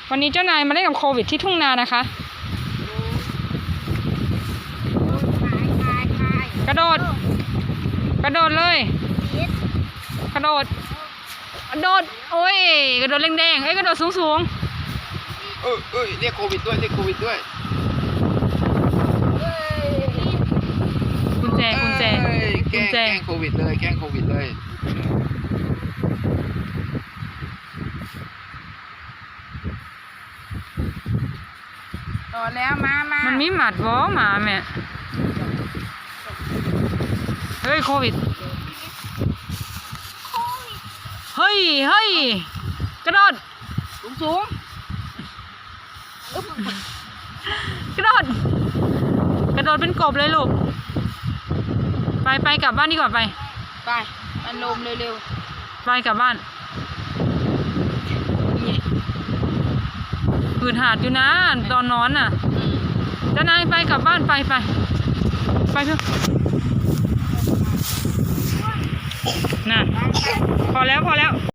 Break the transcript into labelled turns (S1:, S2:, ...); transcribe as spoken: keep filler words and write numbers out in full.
S1: วันนี้เจ้านายมาเล่นกับโควิดที่ทุ่งนานะคะกระโดดกระโดดเลยกระโดดกระโดดโอ้ยกระโดดแดงๆเอ้ยกระโดดสูง
S2: ๆเออเออเรียกโควิดด้วยเรียกโควิดด้วย
S1: กุญแจกุญแจกุญแจ
S2: แกล้งโควิดเลยแกล้งโควิดเลย
S3: ต่อแล้วมามา
S1: มันมีหมัดวอหมาแม่เฮ้ยโควิดเฮ้ยเฮ้ยกระโดด
S3: สูงสูง
S1: กระโดดกระโดดเป็นกบเลยลูกไปไปกลับบ้านดีกว่าไป
S3: ไปมันลมเร็ว
S1: ๆไปกลับบ้านอืดหาดอยู่นะตอนนอนน่ะเจ้านายไปกลับบ้านไปไปไปเถอะน่ะพอแล้วพอแล้ว